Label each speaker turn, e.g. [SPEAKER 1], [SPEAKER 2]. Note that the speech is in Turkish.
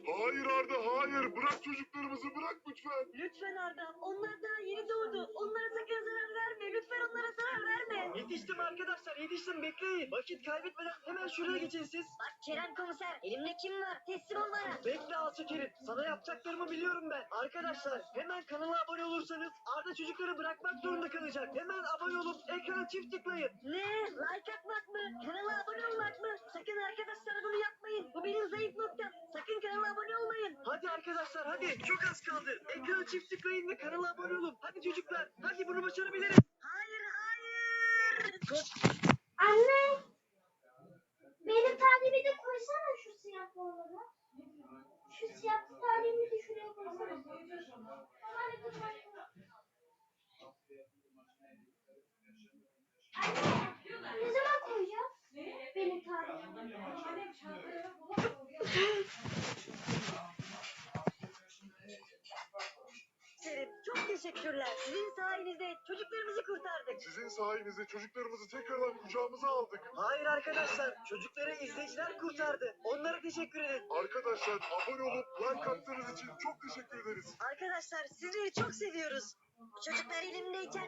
[SPEAKER 1] Hayır Arda, hayır. Bırak çocuklarımızı, bırak lütfen.
[SPEAKER 2] Lütfen Arda, onlar daha yeni doğdu. Onlara sakın zarar verme. Lütfen onlara zarar verme.
[SPEAKER 3] Yetiştim arkadaşlar, yetiştim, bekleyin. Vakit kaybetmeden hemen şuraya geçin siz.
[SPEAKER 2] Bak Kerem komiser, elimde kim var? Teslim ol bana.
[SPEAKER 3] Bekle alçak herif. Sana yapacaklarımı biliyorum ben. Arkadaşlar hemen kanala abone olursanız Arda çocukları bırakmak zorunda kalacak. Hemen abone olup ekrana çift tıklayın.
[SPEAKER 2] Ne? Like atmak mı? Kanala abone olmak mı? Sakın arkadaşlar bunu yapmayın. Bu benim zayıf noktam. Sakın kanala abone olmayın.
[SPEAKER 3] Hadi arkadaşlar hadi. Çok az kaldı. Ekrana çift tıklayın ve kanala abone olun. Hadi çocuklar. Hadi bunu başarabiliriz.
[SPEAKER 2] Hayır, hayır.
[SPEAKER 4] Anne, benim tarihimi de koysana şu siyah boyaları. Şu siyah tarihimi de şuraya koysana. Anne, ne zaman koyacağız? Benim tarihimi.
[SPEAKER 2] Şerif, çok teşekkürler. Sizin sayenizde çocuklarımızı kurtardık.
[SPEAKER 1] Sizin sayenizde çocuklarımızı tekrardan kucağımıza aldık.
[SPEAKER 3] Hayır arkadaşlar. Çocukları izleyiciler kurtardı. Onlara teşekkür edin.
[SPEAKER 1] Arkadaşlar abone olup like attığınız için çok teşekkür ederiz.
[SPEAKER 2] Arkadaşlar sizleri çok seviyoruz. Çocuklar elimdeyken